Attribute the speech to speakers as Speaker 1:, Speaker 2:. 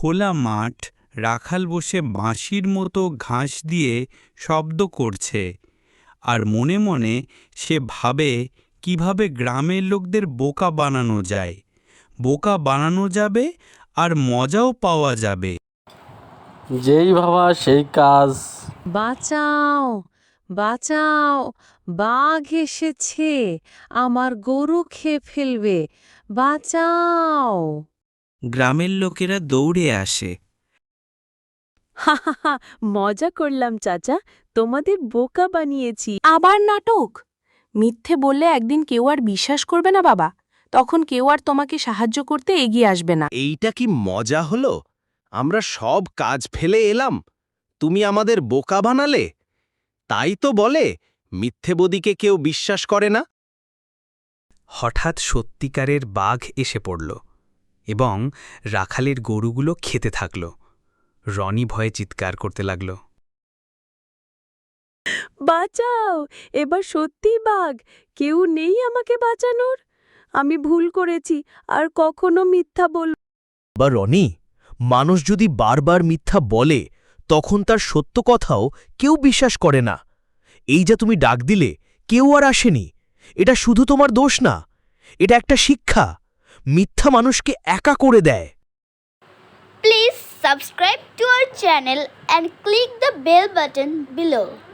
Speaker 1: খোলা মাঠ, রাখাল বসে বাঁশির মতো ঘাস দিয়ে শব্দ করছে, আর মনে মনে সে ভাবে কিভাবে গ্রামের লোকদের বোকা বানানো যায়। বোকা বানানো যাবে আর মজাও পাওয়া যাবে।
Speaker 2: যেই ভাবা সেই কাজ।
Speaker 3: বাঁচাও, বাঁচাও, বাঘ এসেছে, আমার গরু খেয়ে ফেলবে, বাঁচাও।
Speaker 1: গ্রামের লোকেরা দৌড়ে আসে।
Speaker 3: হা হা হা, মজা করলাম চাচা, তোমাদের বোকা বানিয়েছি। আবার নাটক? মিথ্যে বললে একদিন কেউ আর বিশ্বাস করবে না বাবা, তখন কেউ আর তোমাকে সাহায্য করতে এগিয়ে আসবে না।
Speaker 4: এইটা কি মজা হলো? আমরা সব কাজ ফেলে এলাম, তুমি আমাদের বোকা বানালে। তাই তো বলে মিথ্যেবাদীকে কেউ বিশ্বাস করে না।
Speaker 5: হঠাৎ সত্যিকারের বাঘ এসে পড়ল এবং রাখালের গরুগুলো খেতে থাকল। রনি ভয়ে চিৎকার করতে লাগল।
Speaker 3: বাঁচাও, এবার সত্যিই বাঘ, কেউ নেই আমাকে বাঁচানোর। আমি ভুল করেছি, আর কখনো মিথ্যা বলব।
Speaker 6: বা রনি, মানুষ যদি বারবার মিথ্যা বলে তখন তার সত্য কথাও কেউ বিশ্বাস করে না। এই যা তুমি ডাক দিলে, কেউ আর আসেনি, এটা শুধু তোমার দোষ না, এটা একটা শিক্ষা। মিথ্যা মানুষকে একা করে দেয়।
Speaker 7: Please subscribe to our channel and click the bell button below.